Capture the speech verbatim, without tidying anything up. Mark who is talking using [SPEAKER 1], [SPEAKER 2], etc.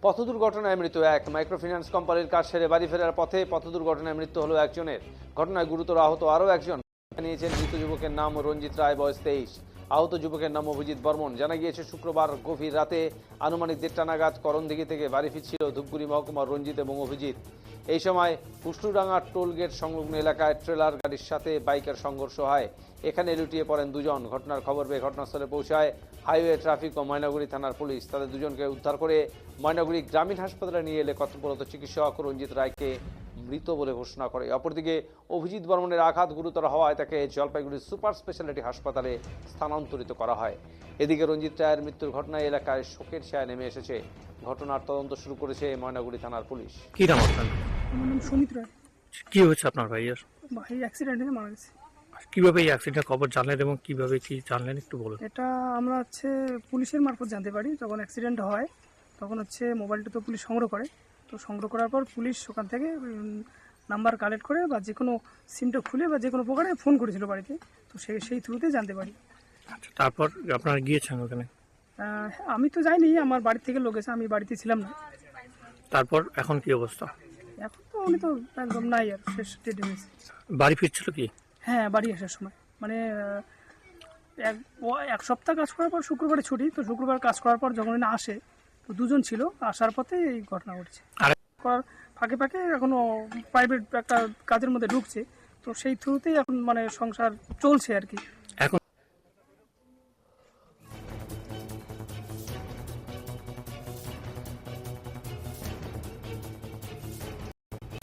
[SPEAKER 1] পথ দুর্ঘটনায় মৃত্যু এক। মাইক্রোফিন্যান্স কোম্পানির কাজ সেরে বাড়ি ফেরার পথে পথ দুর্ঘটনায় মৃত্যু হলো একজনের। ঘটনায় গুরুতর আহত আরও একজন। জানিয়েছেন মৃত যুবকের নাম রঞ্জিত রায়, বয়স তেইশ। আহত যুবকের নাম অভিজিৎ বর্মন। জানা গিয়েছে শুক্রবার গভীর রাতে আনুমানিক দেড়টা নাগাদ করণদিঘি থেকে বাড়ি ফিরছিল ধূপগুড়ি মহকুমার রঞ্জিত এবং অভিজিৎ। এই সময় কুষ্টুডাঙ্গা টোল গেট সংলগ্ন এলাকায় ট্রেলার গাড়ির সাথে বাইকের সংঘর্ষ হয়। এখানে লুটিয়ে পড়েন দুজন। ঘটনার খবর পেয়ে ঘটনাস্থলে পৌঁছায় হাইওয়ে ট্রাফিক ও ময়নাগুড়ি থানার পুলিশ। তাদের দুজনকে উদ্ধার করে ময়নাগুড়ি গ্রামীণ হাসপাতালে নিয়ে এলে কর্তব্যরত চিকিৎসক রঞ্জিত রায়কে মৃত বলে ঘোষণা করে। অপরদিকে অভিজিৎ বর্মনের আঘাত গুরুতর হওয়ায় তাকে জলপাইগুড়ি সুপার স্পেশালিটি হাসপাতালে স্থানান্তরিত করা হয়। এদিকে রঞ্জিত রায়ের মৃত্যুর ঘটনায় এলাকায় শোকের ছায়া নেমে এসেছে। ঘটনার তদন্ত শুরু করেছে ময়নাগুড়ি থানার পুলিশ।
[SPEAKER 2] কি নাম আপনার?
[SPEAKER 3] আমার নাম সুমিত রায়।
[SPEAKER 2] কি হয়েছে আপনার ভাইয়ের?
[SPEAKER 3] ভাই অ্যাক্সিডেন্টে মারা গেছে।
[SPEAKER 2] কিভাবে এই অ্যাক্সিডেন্টের খবর জানলেন এবং কিভাবে কি জানলেন একটু বলুন।
[SPEAKER 3] এটা আমরা হচ্ছে পুলিশের মারফত জানতে পারি। যখন অ্যাক্সিডেন্ট হয় তখন হচ্ছে মোবাইলটা তো পুলিশ সংগ্রহ করে, তো সংগ্রহ করার পর পুলিশ ওখান থেকে নাম্বার কালেক্ট করে বা যে কোনো সিমটা খুলে বা যে কোনো প্রকারে ফোন করেছিল বাড়িতে, তো সেই সেই থ্রুতে জানতে পারি।
[SPEAKER 2] আচ্ছা, তারপর আপনারা গিয়েছেন ওখানে?
[SPEAKER 3] আহ, আমি তো যাইনি, আমার বাড়ি থেকে লোক এসে, আমি বাড়িতে ছিলাম না।
[SPEAKER 2] তারপর এখন কি অবস্থা?
[SPEAKER 3] এখন তো উনি তো একদম নাই, আর শেষ ডেটে গেছে।
[SPEAKER 2] বাড়ি ফিরছিল কি?
[SPEAKER 3] হ্যাঁ, বাড়ি আসার সময় মানে আহ, এক ও- এক সপ্তাহ কাজ করার পর শুক্রবারে ছুটি, তো শুক্রবার কাজ করার পর যখন উনি আসে, তো দুজন ছিল, আসার পথে এই ঘটনা ঘটেছে।
[SPEAKER 2] আর-
[SPEAKER 3] করার ফাঁকে ফাঁকে এখনো প্রাইভেট একটা কাজের মধ্যে ঢুকছে, তো সেই থ্রুতেই এখন মানে সংসার চলছে আর কি।